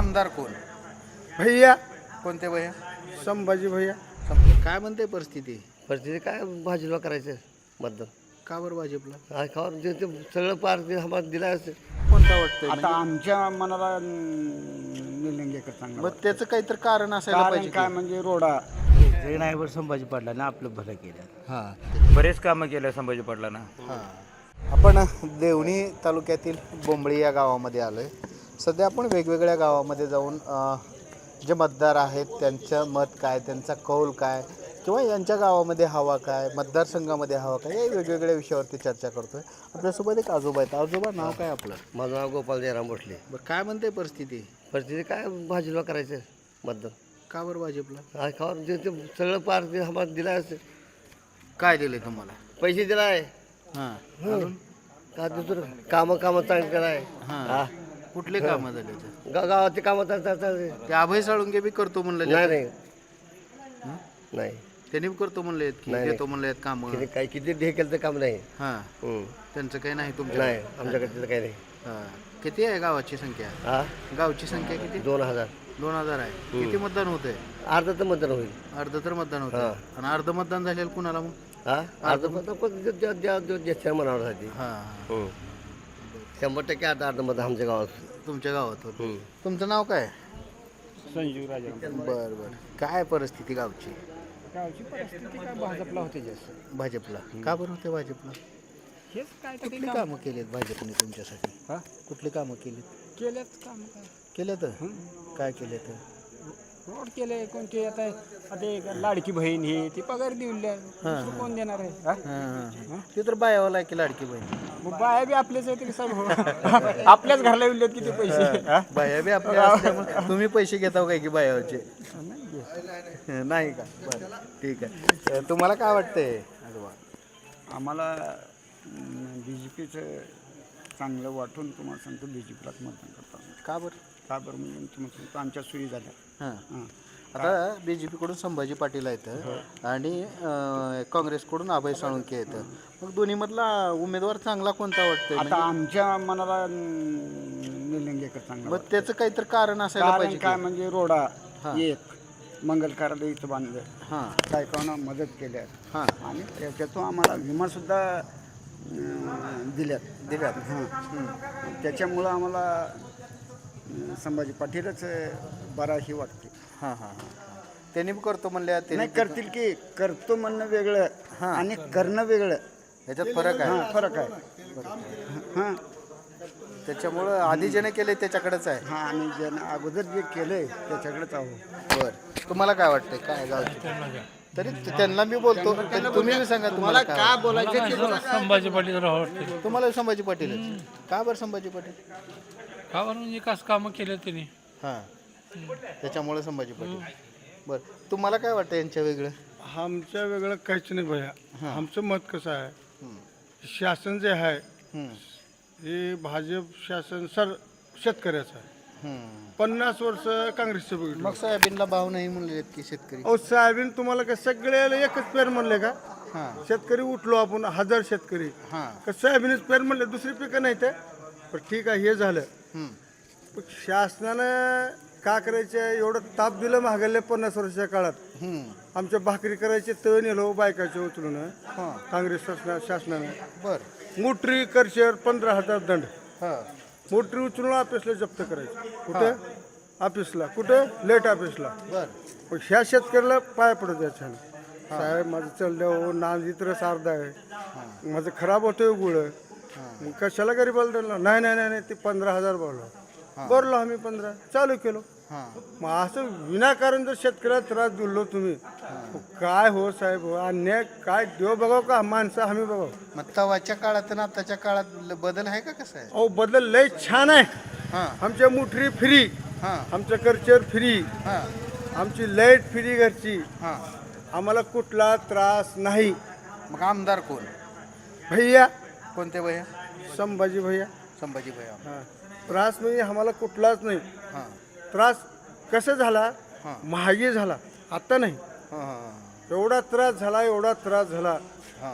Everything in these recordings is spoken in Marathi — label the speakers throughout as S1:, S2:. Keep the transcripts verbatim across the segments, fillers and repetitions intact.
S1: आमदार कोण?
S2: भैया
S1: कोणते भैया?
S2: संभाजी भैया.
S1: काय म्हणते परिस्थिती?
S3: परिस्थिती काय भाजपला करायचं मतदान
S1: का बरं भाजपला?
S3: काय खावर जे ते सगळं पार ते आम्हाला दिला असेल.
S1: कोणता वाटतंय
S2: आता
S1: म्हणजे?
S2: आमच्या मनाला निलंगेकर चांगला
S1: मग त्याचं काहीतरी कारण असायला
S2: कारण
S1: पाहिजे
S2: काय
S1: की.
S2: म्हणजे रोडा
S4: नाहीवर संभाजी पाटलाने आपलं भलं केलं.
S1: हां
S4: बरेच कामं केलं संभाजी पाटलांना.
S1: हां आपण देवणी तालुक्यातील बोंबळी या गावामध्ये आलो आहे. सध्या आपण वेगवेगळ्या गावामध्ये जाऊन अ, जे मतदार आहेत त्यांचं मत काय, त्यांचा कौल काय, किंवा यांच्या गावामध्ये हवा काय, मतदारसंघामध्ये हवा काय, या वेगवेगळ्या विषयावरती चर्चा करतोय. आपल्यासोबत एक आजोबा आहेत. आजोबा नाव काय आपलं?
S3: माझं नाव गोपाल जयराम भोसले.
S1: बरं काय म्हणते परिस्थिती?
S3: परिस्थिती काय भाजपला करायचं मतदान
S1: का बरं भाजपला?
S3: काय खावर जे ते सगळं पार ते आम्हाला दिला असेल.
S1: काय दिले तुम्हाला?
S3: पैसे दिलाय
S1: हां
S3: अजून का दुसरं कामं कामं चांगली कराय.
S1: हां
S3: हा
S1: कुठले कामं झाले ते?
S3: गा गावाची कामं चांगली.
S1: ते अभय साळुंके बी करतो म्हणले.
S3: नाही नाही नाही
S1: त्यांनी बी करतो म्हणले की
S3: नाही,
S1: देतो म्हणले कामं.
S3: किती काय किती हे केलं तर काम नाही.
S1: हां
S3: हम्म.
S1: त्यांचं काही नाही तुमच्या?
S3: नाही आमच्याकडे तिथं काही नाही.
S1: हां किती आहे गावाची संख्या?
S3: हा
S1: गावची संख्या किती?
S3: दोन हजार
S1: दोन हजार आहे. किती मतदान होतंय?
S3: अर्ध तर मतदान होईल.
S1: अर्ध तर मतदान होतं.
S3: हां.
S1: आणि अर्ध मतदान झालेलं कुणाला मग?
S3: हा अर्ध मतदान कोण ज्या- ज्या- ज्या- ज्या- ज्याच्या मनावर साठी.
S1: हां
S3: शंभर टक्के अर्ध अर्ध मत आमच्या गावात.
S1: तुमच्या गावात होतं.
S3: हम्म.
S1: तुमचं नाव काय?
S2: संजीव राजा.
S1: बरं बरं काय परिस्थिती गावची?
S2: गावची परिस्थिती काय भाजपला होते जास्त.
S1: भाजपला का बरं होते भाजपला?
S2: हेच काय तर
S1: कुठली कामं केलीत भाजपने तुमच्यासाठी?
S2: हा?
S1: कुठली कामं केलीत?
S2: केलेत काम काय
S1: केलं तर काय केलं तर?
S2: रोड केले कोणते आता आता एक लाडकी बहीण ही ती पगार देऊन द्या. दुसरं कोण देणार आहे हा?
S1: हां हां ते तर बायावाला आहे की लाडकी बहीण.
S2: मग बाया बी आपलेच आहेत की सर आपल्याच घरला येऊन देत किती पैसे हा?
S1: बाया बी आपल्या असल्यामुळे तुम्ही पैसे घेताव काय की बायावरचे? नाही का? बरं ठीक आहे. तुम्हाला काय वाटतंय आजोबा?
S2: आम्हाला बी जे पीचं चांगलं वाटून तुम्हाला सांगतो बी जे पीलाच मतदान करतो.
S1: का बरं?
S2: का बरं म्हणजे तुम्हाला सांगतो आमच्या सोयी झाल्या.
S1: हां
S2: हां
S1: आता बी जे पीकडून संभाजी पाटील आहेत आणि अं, काँग्रेसकडून अभय साळुंके येतं. मग दोन्हीमधला उमेदवार चांगला कोणता वाटतोय?
S2: आता
S1: म्हणजे
S2: आमच्या मनाला निलंगेकर चांगला
S1: मग त्याचं काहीतरी कारण असायला
S2: कारण
S1: पाहिजे
S2: काय
S1: की.
S2: म्हणजे रोडा
S1: हां.
S2: एक मंगल कार्यालय इथं बांधलं,
S1: हां
S2: बायकांना मदत केल्या
S1: हां
S2: आणि त्याच्यातून आम्हाला विमासुद्धा अं, दिल्यात
S1: दिल्यात.
S2: हां त्याच्यामुळं आम्हाला अं, संभाजी पाटीलच अं, बरा ही वाटते.
S1: हां हां हां त्यांनी बी करतो म्हणले.
S2: नाही
S1: त्यांनी
S2: करतील की करतो म्हणणं वेगळं
S1: हां.
S2: आणि करणं वेगळं.
S1: ह्याच्यात फरक आहे.
S2: हां फरक आहे. हां
S1: त्याच्यामुळं आधी ज्याने केले त्याच्याकडेच आहे.
S2: हां आणि ज्यानं अगोदर जे केलंय त्याच्याकडेच आहो.
S1: बरं तुम्हाला काय वाटतंय काय गावची? तरी त्यांना मी बोलतो तरी तुम्ही बी सांगा तुम्हाला काय
S2: बोलायचं
S5: संभाजी पाटील राहते.
S1: तुम्हाला संभाजी पाटील का बरं संभाजी पाटील?
S5: का बरं विकास कामं केले त्यांनी.
S1: हां त्याच्यामुळे संभाजी पाटील. बरं तुम्हाला काय वाटतं यांच्या वेगळं?
S6: आमच्या वेगळं काहीच नाही भैया. आमचं मत कसं आहे,
S1: हं.
S6: शासन जे आहे
S1: हं.
S6: हे भाजप शासन सर शेतकऱ्याचं आहे.
S1: हं.
S6: पन्नास वर्ष काँग्रेसचं बघितलं.
S1: मग सोयाबीनला भाव नाही म्हणले की शेतकरी.
S6: अहो सोयाबीन तुम्हाला काय सगळ्याला एकच पेर म्हणले का?
S1: हां
S6: शेतकरी उठलो आपण हजार शेतकरी
S1: हां
S6: का सोयाबीनच पेर म्हणले, दुसरी पिकं नाही ते. पण ठीक आहे हे झालं.
S1: हं.
S6: पण शासनानं का करायचे एवढं ताप दिलं महागल्या पन्नास वर्षाच्या काळात.
S1: हं.
S6: आमच्या भाकरी करायचे तळ नेलो बायकाचे उचलून
S1: हां
S6: काँग्रेस शासना शासनानं
S1: बरं
S6: मोटरी करशेर पंधरा हजार दंड.
S1: हां
S6: मोटरी उचलून ऑफिसला जप्त करायची. कुठं? ऑफिसला. कुठं? लेट ऑफिसला.
S1: बरं
S6: पण ह्या शेतकऱ्याला पाय पडत द्यायचं साहेब माझं चाललं नाव इतर सारदा आहे, माझं खराब होतोय गुळ, मग कशाला गरीबाला दिलं? नाही नाही नाही नाही ते पंधरा हजार बोललो. भरलो आम्ही पंधरा चालू केलो.
S1: हां
S6: मग असं विनाकारण जर शेतकऱ्याला त्रास दिलो तुम्ही, काय हो साहेब हो अन्याय काय देव बघाव का माणसं आम्ही बघाव?
S1: मग तवाच्या काळात आणि आताच्या काळात ल- बदल आहे का कसं आहे?
S6: अहो बदल लय छान आहे.
S1: हां
S6: आमच्या मोटरी फ्री,
S1: हां
S6: आमचं करचर फ्री,
S1: हां
S6: आमची लाईट फ्री घरची,
S1: हां
S6: आम्हाला कुठला त्रास नाही.
S1: मग आमदार कोण?
S6: भैया
S1: कोणते भैया?
S6: संभाजी भैया.
S1: संभाजी भैया.
S6: हां त्रास म्हणजे आम्हाला कुठलाच नाही.
S1: हां
S6: त्रास कसं झाला?
S1: हां.
S6: महागी झाला, आता नाही.
S1: हां हां
S6: एवढा त्रास झाला, एवढा त्रास झाला.
S1: हां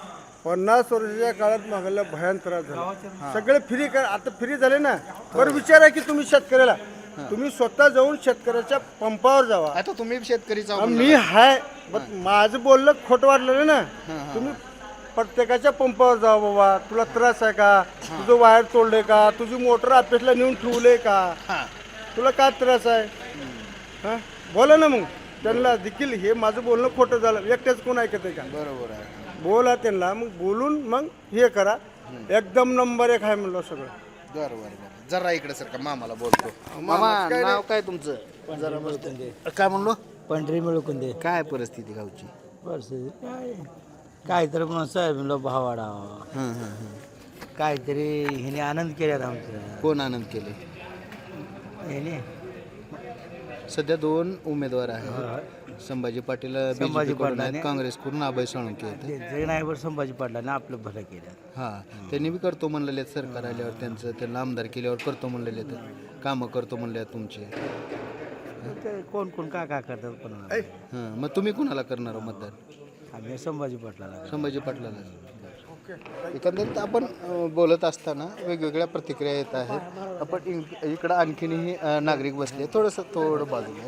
S6: पन्नास वर्षाच्या काळात महागाला भयान त्रास झाला. सगळे फ्री कर आता फ्री झाले ना. बरं विचारा की तुम्ही शेतकऱ्याला तुम्ही स्वतः जाऊन शेतकऱ्याच्या पंपावर जावा.
S1: आता तुम्ही शेतकरीचा
S6: अं, मी हाय पण माझं बोललं खोटं वाटलं ना. तुम्ही प्रत्येकाच्या पंपावर जावा बाबा. तुला त्रास आहे का? तुझं वायर तोडले का? तुझी मोटर ऑफिसला नेऊन ठेवले का? तुला काय त्रास आहे? हां बोला ना. मग त्यांना देखील हे माझं बोलणं खोटं झालं एकट्याच कोण ऐकत आहे का?
S1: बरोबर आहे.
S6: बोला त्यांना. मग बोलून मग हे करा. एकदम नंबर एक आहे म्हणलं सगळं.
S1: बरं बरं बरं जरा इकडे सर का मामाला बोलतो. मामा नाव काय तुमचं? जरा मस्त काय म्हणलो?
S4: पंढरी मिळकून दे
S1: काय परिस्थिती गावची?
S4: परिस्थिती काय काहीतरी म्हणून सोयाबीनला भाव वाढावा,
S1: हां हां हां
S4: काहीतरी ह्याने आनंद केल्यात आमचं
S1: कोण आनंद केले?
S4: ह्याने
S1: सध्या दोन उमेदवार आहेत. संभाजी पाटील
S4: संभाजी
S1: BJP कडून आहेत,
S4: पाटलाने-
S1: काँग्रेसकडून अभय साळुंके आहेत.
S4: जे नाहीवर संभाजी पाटलाने आपलं भलं केलं.
S1: हां त्यांनी बी करतो म्हणलेले आहेत. सरकार आल्यावर त्यांचं त्यांना आमदार केल्यावर करतो म्हणलेले आहेत. कामं करतो म्हणले आहेत तुमचे.
S4: ते कोण कोण काय काय करतात कोणाला.
S1: हां मग तुम्ही कुणाला करणार हो मतदान?
S4: आम्ही संभाजी पाटलाला.
S1: संभाजी पाटलाला. एकंदरीत आपण अ, बोलत असताना वेगवेगळ्या प्रतिक्रिया येत आहेत. आपण इं- इकडं आणखीनही अ, नागरिक बसले. थोडंसं थोडं बाजूला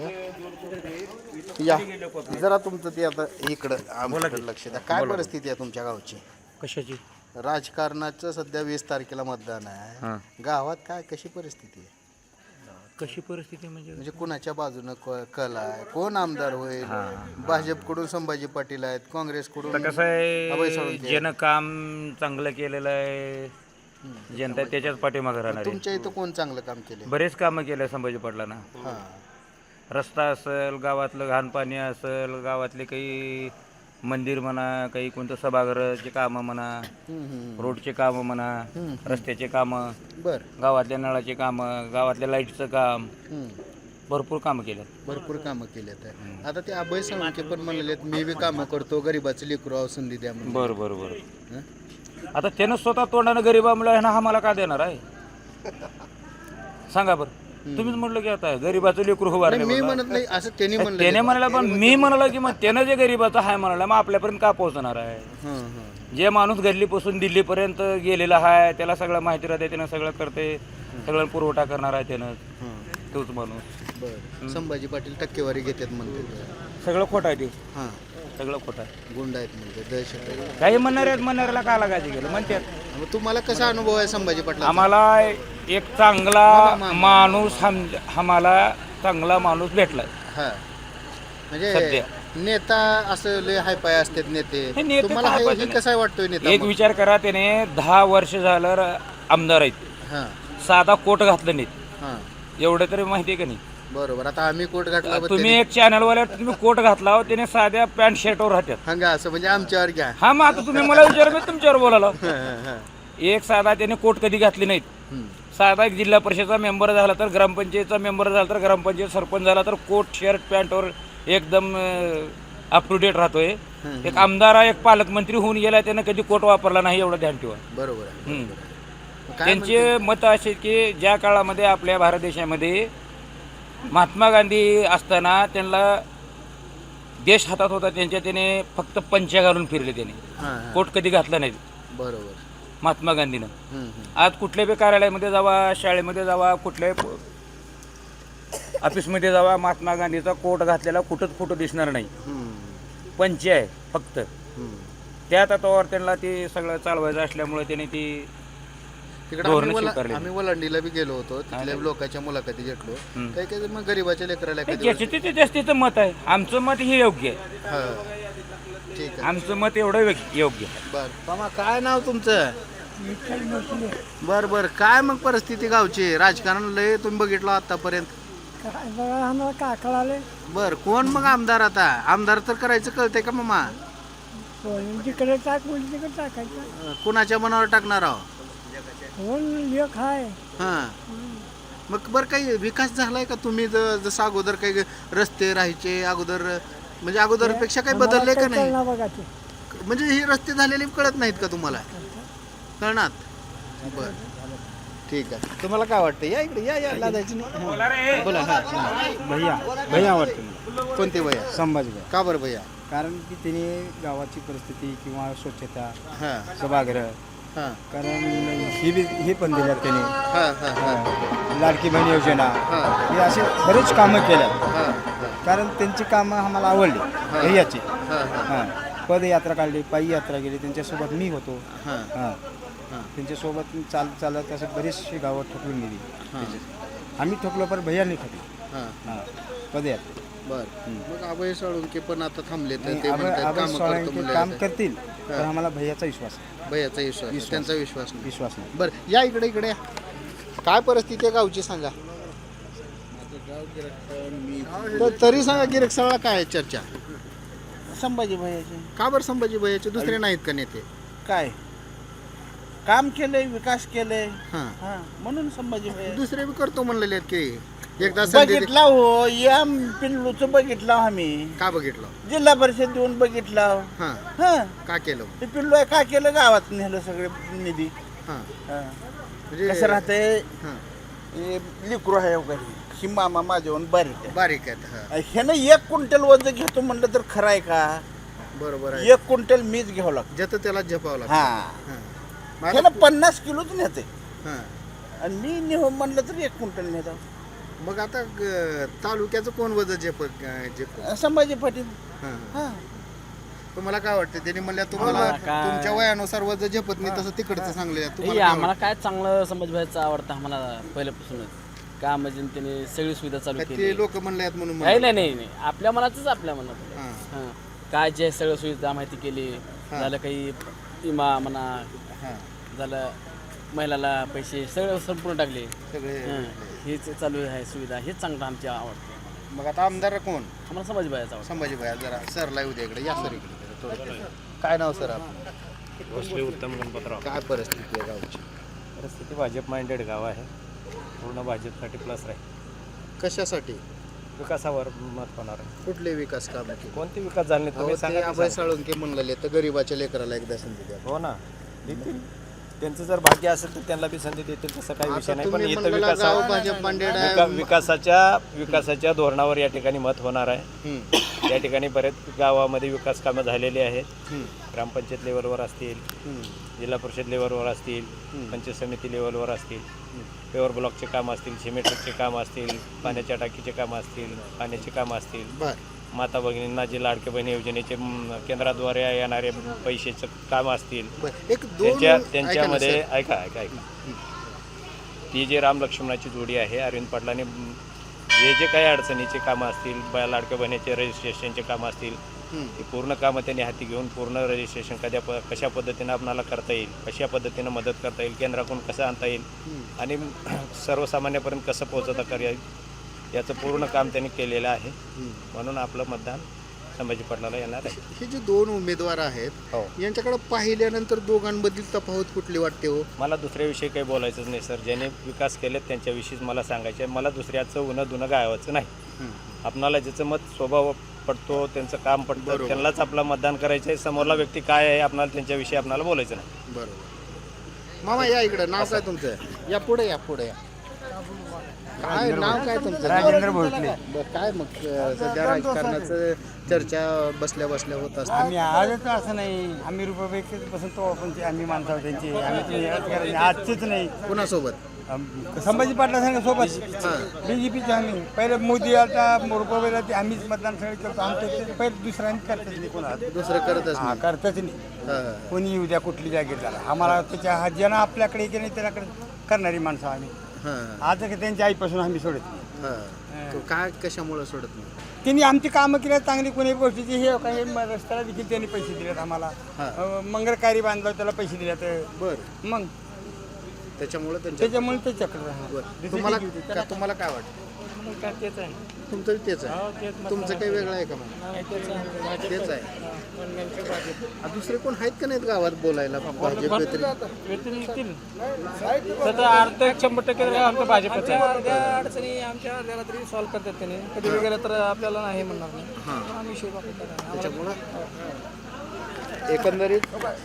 S1: या. या जरा तुमचं ते आता इकडं आमच्याकडे लक्ष द्या. काय परिस्थिती आहे तुमच्या गावची?
S5: कशाची?
S1: राजकारणाचं सध्या वीस तारखेला मतदान आहे. गावात काय कशी परिस्थिती आहे?
S5: कशी परिस्थिती म्हणजे
S1: म्हणजे कुणाच्या बाजूनं क- कल आहे? कोण आमदार होईल? भाजपकडून संभाजी पाटील आहेत, काँग्रेसकडून
S7: कसं
S1: अभय
S7: आहे
S1: साळुंके आहेत.
S7: ज्यानं काम चांगलं केलेलं आहे जनता त्याच्याच पाठीमागे राहणार आहे.
S1: तुमच्या इथं कोण चांगलं काम केले?
S7: बरेच कामं केले संभाजी पाटलांना.
S1: हां
S7: रस्ता असेल, गावातलं घाण पाणी असेल, गावातले काही मंदिर म्हणा, काही कोणतं सभागृहाचे कामं म्हणा, रोडचे कामं म्हणा, रस्त्याचे कामं,
S1: बर
S7: गावातल्या नळाचे कामं, गावातल्या लाईटचं काम, भरपूर कामं केलं.
S1: भरपूर कामं केलेत आहे. आता ते अभय साळुंके पण म्हणलेले आहेत, मी बी कामं करतो, गरीबाचं लेकरू आहो, संधी द्या म्हणून.
S7: बरं बरं बरं. आता त्यानं स्वतः तोंडानं गरीबामुळे ह्यानं आम्हाला का देणार आहे सांगा बरं. तुम्हीच म्हटलं की आता गरीबाचं लेकरू
S1: नाही,
S7: उभारले
S1: मी म्हणत नाही असं त्यांनी म्हणलं.
S7: त्याने म्हणाला, पण मी म्हणाला की मग त्यानं जे गरीबाचं आहे म्हणाला मग आपल्यापर्यंत का पोहोचणार आहे? जे माणूस गल्लीपासून दिल्लीपर्यंत गेलेला आहे त्याला सगळं माहिती राहते, त्यानं सगळं करते, सगळं पुरवठा करणार आहे त्यानं तोच माणूस.
S1: बरं संभाजी पाटील टक्केवारी घेतात म्हणते.
S7: सगळं खोटं आहे ते,
S1: हां
S7: सगळं खोटं आहे.
S1: गुंड आहेत म्हणजे दहशत आहे.
S7: काही म्हणणार आहेत, म्हणणाऱ्याला का लागायचं गेलं म्हणतात.
S1: मग तुम्हाला कसा अनुभव आहे संभाजी पाटील?
S7: आम्हाला एक चांगला माणूस हम- आम्हाला चांगला माणूस भेटला.
S1: हां म्हणजे
S7: सध्या.
S1: नेता असं लय हाय पाय असतात नेते.
S7: हे नेते
S1: तुम्हाला
S7: काय
S1: हे-
S7: पाहिजे
S1: हे
S7: नाही.
S1: कसा वाटतोय नेता?
S7: एक विचार करा, त्याने दहा वर्ष झालं र- आमदार आहेत,
S1: हां
S7: साधा कोट घातलं नाहीत,
S1: हां
S7: एवढं तरी माहिती आहे का नाही?
S1: बरोबर. आता आम्ही कोट घातला बघ
S7: तुम्ही एक चॅनलवाल्या तुम्ही कोट घातला हो, त्याने साध्या पॅन्ट शर्टवर राहतात.
S1: हंगा असं म्हणजे आमच्यावर घ्या.
S7: हा मग आता तुम्ही मला विचार मी तुमच्यावर बोलालो.
S1: हां, हां.
S7: एक साधा त्याने कोट कधी घातली नाहीत. साधा एक जिल्हा परिषदचा मेंबर झाला तर, ग्रामपंचायतचा मेंबर झाला तर, ग्रामपंचायत सरपंच झाला तर कोट शर्ट पॅन्टवर एकदम अप टू डेट राहतोय. एक आमदार एक पालकमंत्री होऊन गेला त्यानं कधी कोट वापरला नाही, एवढं ध्यान ठेवा.
S1: बरोबर आहे.
S7: हम्म.
S1: काय
S7: त्यांचे मत असे की ज्या काळामध्ये आपल्या भारत देशामध्ये महात्मा गांधी असताना त्यांना देश हातात होता, त्यांच्या त्याने फक्त पंच्या घालून फिरले, त्याने
S1: हां, हां.
S7: कोट कधी घातला नाही
S1: बरोबर.
S7: महात्मा गांधीनं.
S1: हम्म, हम्म.
S7: आज कुठल्याही कार्यालयामध्ये जावा, शाळेमध्ये जावा, कुठल्याही ऑफिसमध्ये जावा, महात्मा गांधीचा कोट घातलेला कुठंच फोटो दिसणार नाही.
S1: हम्म,
S7: पंच आहे फक्त.
S1: हम्म.
S7: त्या तत्वावर त्यांना ते सगळं चालवायचं असल्यामुळे त्याने ती
S1: तिकडे
S7: धोरणं
S1: आम्ही वला-
S7: स्वीकारली.
S1: आम्ही वलांडीला बी गेलो होतो, तिथल्या लोकांच्या मुलाखती घेतलो. काही काही मग गरीबाच्या लेकराला कधी
S7: ज्याचे ते जास्तीचं मत आहे. आमचं मत हे योग्य आहे.
S1: हां, ठीक आहे.
S7: आमचं मत एवढं व्यक्- योग्य आहे.
S1: बर मामा काय नाव तुमचं? बर बर काय मग परिस्थिती गावची? राजकारण लय तुम्ही बघितलं आतापर्यंत.
S8: आम्हाला काय कळाले
S1: बर कोण मग आमदार? आता आमदार तर करायचं कळतंय का मामा?
S8: तिकडे टाक म्हणजे तिकडे टाकायचं.
S1: अं, कुणाच्या मनावर टाकणार आहो?
S8: कोण लेख आहे
S1: हां मग बरं काही विकास झालाय का? तुम्ही ज- जसं अगोदर काही रस्ते राहायचे अगोदर, म्हणजे अगोदरपेक्षा काही बदलले का नाही?
S8: कळणार बघा ते.
S1: म्हणजे हे रस्ते झालेले कळत नाहीत का तुम्हाला? कळणार. बर ठीक आहे. तुम्हाला काय वाटतं? या इकडे या या लादायचं नाही. हां. बोला. हां
S6: भैया भैया वाटतं
S1: कोणते भैया?
S6: संभाजी
S1: का बरं भैया?
S6: कारण की तिने गावाची परिस्थिती किंवा स्वच्छता
S1: हां
S6: सभागृह
S1: हां
S9: कारण ही बी हे पण दिल्यात त्यांनी
S1: हां हां हां
S9: लाडकी बहीण योजना
S1: हां
S9: हे असे बरेच कामं केल्यात
S1: हां
S9: कारण त्यांची कामं आम्हाला आवडली ध्येयाची
S1: हां हां
S9: हां पदयात्रा काढली पायी यात्रा केली त्यांच्यासोबत मी होतो
S1: हां
S9: हां
S1: हां
S9: त्यांच्यासोबत चालत चालत असं बरीचशी गावं ठोकून गेली त्याच्यात. आम्ही ठोकलो पण भैयानी ठोकली
S1: हां
S9: हां पदयात्रा
S1: बर मग अभय साळुंके पण आता थांबले तर
S9: आणि
S1: ते
S9: आबा-
S1: म्हणतात
S9: आबा
S1: काम करतो
S9: सोळंके
S1: म्हणले
S9: काम
S1: जाते.
S9: करतील पण आम्हाला भैयाचा विश्वास आहे.
S1: भैयाचा विश्वास आहे. त्यांचा विश्वास नाही
S9: विश्वास नाही
S1: बर या इकडे इकडे या. काय परिस्थिती आहे गावची सांगा तर तरी सांगा गिरक सगळा काय आहे चर्चा
S4: संभाजी भैयाचे
S1: का बरं संभाजी भैयाचे दुसरे नाहीत का नेते
S4: काय काम केलंय विकास केलंय
S1: हां
S4: हा म्हणून संभाजी भैया
S1: दुसरे बी करतो म्हणलेले आहेत की एकदा संधी दे-
S4: बघितला हो या पिल्लूचं बघितलं आम्ही
S1: का बघितलं
S4: जिल्हा परिषद देऊन बघितलं
S1: हां
S4: हा
S1: का केलं
S4: ते पिल्लू आहे का केलं गावात नेलं सगळे निधी
S1: हां
S4: हा.
S1: म्हणजे
S4: कसं राहतंय
S1: हां
S4: हे लिकरू आहे वगैरे ही मामा माझ्याहून बारीक आहे
S1: बारीक आहेत हां
S4: ह्यानं एक क्विंटल वजन घेतो म्हणलं तर खरं आहे का
S1: बरोबर आहे
S4: एक क्विंटल मीच घ्यावं लागतं
S1: ज्याचं त्याला झपावं लागतं
S4: हा
S1: हां मग आता-
S4: ह्यानं पन्नास किलोच नेते
S1: हां
S4: आणि मी नेहो म्हणलं तर एक क्विंटल नेतो
S1: मग आता ग- तालुक्याचं कोण वजन झेप झेप
S4: संभाजी पाटील
S1: हां
S4: हा
S1: तुम्हाला काय वाटतं त्यांनी म्हणल्या तुम्हाला तुमच्या वयानुसार वजन झेपत नाही तसं तिकडचं सांगले तुम्हाला काय
S10: आम्हाला काय चांगलं संभाजीभाईचं आवडतं आम्हाला पहिल्यापासूनच का म्हणजे त्यांनी सगळी सुविधा चालू
S1: वाटतं?
S10: केली
S1: ते लोक म्हणले आहेत म्हणून
S10: नाही
S1: म्हणले.
S10: नाही नाही नाही आपल्या मनातच आपल्या मनात
S1: हां
S10: हां काय जे सगळं सुविधा माहिती केली झालं काही विमा म्हणा
S1: हां
S10: झालं महिलाला पैसे सगळं संपूर्ण टाकले
S1: सगळे
S10: हां हेच चालू आहे सुविधा हेच चांगलं आमच्या आवडतं
S1: मग आता आमदार कोण
S10: आम्हाला संभाजीभाईचं आवडतं
S1: संभाजी भाई जरा सरला येऊ दे इकडे या सर इकडे थोडं. काय नाव सर आपण
S5: भोसले उत्तम गणपतराव.
S1: काय परिस्थिती आहे गावची
S5: परिस्थिती भाजप माइंडेड गाव आहे. पूर्ण भाजपसाठी प्लस राहील.
S1: कशासाठी
S5: विकासावर मत होणार आहे.
S1: कुठले विकास काम केले
S5: कोणते विकास झाले नाही तुम्ही सांगा.
S1: अभय साळुंके म्हणलेले तर गरीबाच्या लेकराला एकदा संधी द्या
S5: हो ना देतील. त्यांचं जर भाग्य असेल तर त्यांना बी संधी देतील तसं काही विषय
S1: आता
S5: नाही. पण
S1: तुम्ही
S5: इथं
S1: म्हणलेला गाव
S5: विकासा
S1: भाजप मांडेड
S5: विका-
S1: आहे
S5: विकासाच्या विकासाच्या धोरणावर या ठिकाणी मत होणार आहे.
S1: हम्म,
S5: या ठिकाणी बरेच गावामध्ये विकास कामं झालेली आहेत.
S1: हम्म,
S5: ग्रामपंचायत लेवलवर असतील,
S1: हम्म,
S5: जिल्हा परिषद लेवलवर असतील, पंचायत समिती लेवलवर असतील, पेवर ब्लॉकचे काम असतील, सिमेंटचे काम असतील, पाण्याच्या टाकीचे कामं असतील, पाण्याची कामं असतील,
S1: बर
S5: माता भगिनींना जे लाडके बहिणी योजनेचे म, केंद्राद्वारे येणारे पैशाचं काम असतील,
S1: बर एक दोन
S5: त्यांच्या
S1: ऐका ना
S5: त्यांच्यामध्ये
S1: सर.
S5: ऐका ऐका ऐका ती जे राम लक्ष्मणाची जोडी आहे अरविंद पाटलांनी म, जे जे काही अडचणीचे कामं असतील, बा लाडक्या बहिणीचे रजिस्ट्रेशनचे कामं असतील,
S1: हम्म,
S5: ती पूर्ण कामं त्यांनी हाती घेऊन पूर्ण रजिस्ट्रेशन कद्या प कशा पद्धतीनं आपणाला करता येईल, कशा पद्धतीनं मदत करता येईल, केंद्राकडून कसं आणता येईल
S1: हम्म.
S5: आणि सर्वसामान्यपर्यंत कसं पोहोचवता करता येईल याचं पूर्ण काम त्यांनी केलेलं आहे. म्हणून आपलं मतदान संभाजी पाटलाला येणार आहे.
S1: हे जे दोन उमेदवार आहेत
S5: हो.
S1: यांच्याकडे पाहिल्यानंतर दोघांमधील तफावत कुठली वाटते हो
S5: मला दुसऱ्याविषयी काही बोलायचंच नाही सर. ज्याने विकास केलेत त्यांच्याविषयीच मला सांगायचं आहे. मला दुसऱ्याचं उन्हा दुनं गावाचं नाही. आपणाला ज्याचं मत स्वभाव पडतो, त्यांचं काम पडतं, त्यांनाच आपलं मतदान करायचं आहे. समोरला व्यक्ती काय आहे आपणाला त्यांच्याविषयी आपल्याला बोलायचं नाही.
S1: बरोबर. मामा या इकडं, नाव काय तुमचं? या पुढे या पुढे या. काय नाव काय तुमचं?
S9: राजेंद्र भोसले.
S1: बरं, काय मग अं, सध्या राजकारणाचं चर्चा बसल्या बसल्या होत असते.
S9: आम्ही आजच असं नाही आम्ही रुपये बसून तो आपण ते आम्ही माणसं त्यांची आम्ही ते राजकारणी आजचेच नाही
S1: कुणासोबत?
S9: आम- संभाजी पाटला संघ सोबत
S1: हां.
S9: बीजेपीचे आम्ही पहिले मोदी आता रुपये ते आम्हीच मतदान सगळे करतो आमचं ते पहिले दुसरं आम्ही करतच नाही कोणा
S1: दुसरं करतच
S9: हा
S1: नाही.
S9: करतच नाही
S1: हां.
S9: कोणी येऊ द्या कुठली जागेत झाला आम्हाला त्याच्या हा ज्यानं आपल्याकडे येते नाही त्याच्याकडे करणारी माणसं आम्ही
S1: हां.
S9: आज त्यांच्या आईपासून आम्ही सोडत नाही
S1: हां. तो काय कशामुळे सोडत नाही?
S9: त्यांनी आमची कामं केली चांगली कोणी गोष्टीची हे काही रस्त्याला देखील त्यांनी पैसे दिलेत आम्हाला
S1: हां.
S9: अं, मंगळकारी बांधलं त्याला पैसे दिले तर
S1: बरं,
S9: मग
S1: त्याच्यामुळे त्यांच्या
S9: त्याच्यामुळे ते चक्र राहणार.
S1: बरं.
S9: दुसरी
S1: तुम्हाला
S9: काही होती.
S1: का- तुम्हाला काय वाटतं?
S4: काय तेच आहे
S1: तुमचं बी तेच आहे. तुमचं काही वेगळं आहे का मग? तेच आहे. आ, दुसरे कोण आहेत का नाहीत गावात बोलायला भाजप व्यतिरिक्त?
S4: येतील त्याचा अर्थ एक शंभर टक्के आमच्या भाजपचं आहे. त्या अडचणी आमच्या अर्ध्याला तरी सॉल्व्ह करतात त्याने कधी वगैरे तर आपल्याला नाही म्हणणार नाही.
S1: हां.
S4: आम्ही विषय बघतो.
S1: त्याच्यामुळं एकंदरीत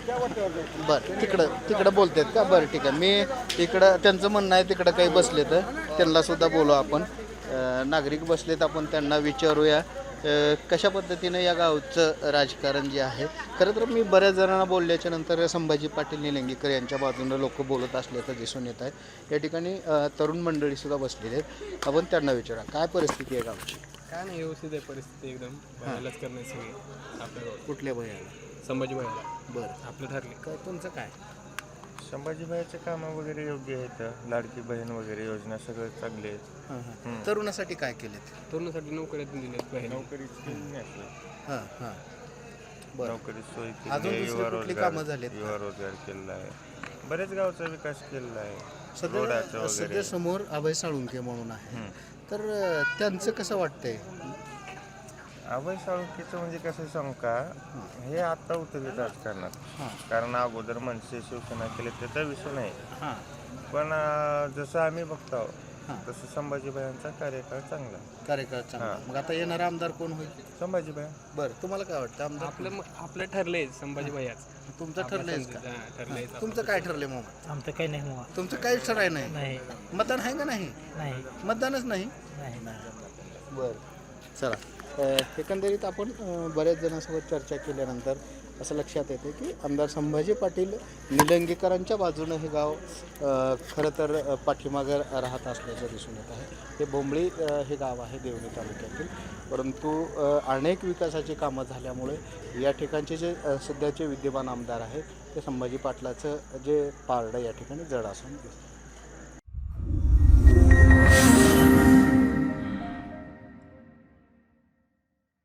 S1: बरं तिकडं तिकडं बोलतात का? बरं ठीक आहे. मी इकडं त्यांचं म्हणणं आहे तिकडं काही बसले तर त्यांना सुद्धा बोलू आपण. अं, नागरिक बसलेत आपण त्यांना विचारूया अ, कशा पद्धतीनं या गावचं राजकारण जे आहे, खरं तर मी बऱ्याच जणांना बोलल्याच्या नंतर संभाजी पाटील निलंगेकर यांच्या बाजूनं लोक बोलत असल्याचं दिसून येत आहे. या ठिकाणी अ, तरुण मंडळीसुद्धा बसलेले आहेत. आपण त्यांना विचारा काय परिस्थिती आहे गावची.
S4: काय नाही व्यवस्थित आहे परिस्थिती एकदम भयालाच करणे सगळी आपल्या गावात.
S1: कुठल्या भयाला.
S4: संभाजी भयाला
S1: बरं
S4: आपलं ठरले.
S1: काय तुमचं काय.
S11: संभाजीबाईचे कामं वगैरे योग्य आहेत. लाडकी बहीण वगैरे योजना सगळं चांगले आहेत.
S1: हां हां तरुणासाठी काय केलेत.
S4: तरुणासाठी नोकऱ्या दिल्यात बहिणी.
S11: नोकरीची केली नाही आपलं.
S1: हां हां बरं.
S11: नोकरी सोय
S1: अजून
S11: केली आहे.
S1: दुसरी
S11: युवा
S1: कुठली
S11: रोजगार
S1: कामं झालीत?
S11: युवा रोजगार केलेला आहे. बरेच गावचा विकास केलेला आहे.
S1: सध्या
S11: रोडाचं
S1: सध्या
S11: वगैरे
S1: समोर अभय साळुंके म्हणून आहे. तर अ, त्यांचं कसं वाटतंय.
S11: अभय साळुंकेचं म्हणजे कसं सांगू का, हे आता उतरले राजकारणात.
S1: हां
S11: कारण अगोदर मनसे शिवसेना केले त्याचा विषय नाही.
S1: हां
S11: पण अं, जसं आम्ही बघतो
S1: हां.
S11: तसं संभाजीबाईंचा कार्यकाळ चांगला आहे.
S1: कार्यकाळ चांगला.
S11: हां.
S1: मग आता येणारा आमदार कोण होईल.
S11: संभाजीबाई
S1: बरं तुम्हाला काय वाटतं आमदार.
S4: आपलं आपलं ठरलंय संभाजी भयाच.
S1: तुमचं ठरलंय का.
S4: ठरलंय.
S1: तुमचं काय ठरलंय मग.
S8: आमचं काही नाही मग
S1: तुमचं काहीच ठराय नाही.
S8: नाही
S1: मतदान आहे का नाही.
S8: नाही
S1: मतदानच नाही.
S8: नाही
S1: बरं चला. अ, एकंदरीत आपण अ, बऱ्याच जणांसोबत चर्चा केल्यानंतर असं लक्षात येते की आमदार संभाजी पाटील निलंगेकरांच्या बाजूनं हे गाव अ, खरं तर अ, पाठीमागं राहत असल्याचं दिसून येत आहे. हे बोंबळी अ, हे गाव आहे देवणी तालुक्यातील. परंतु अ, अनेक विकासाची कामं झाल्यामुळे या ठिकाणचे जे अ, सध्याचे विद्यमान आमदार आहेत ते संभाजी पाटलाचं जे पारडं या ठिकाणी जड असून दिसतं.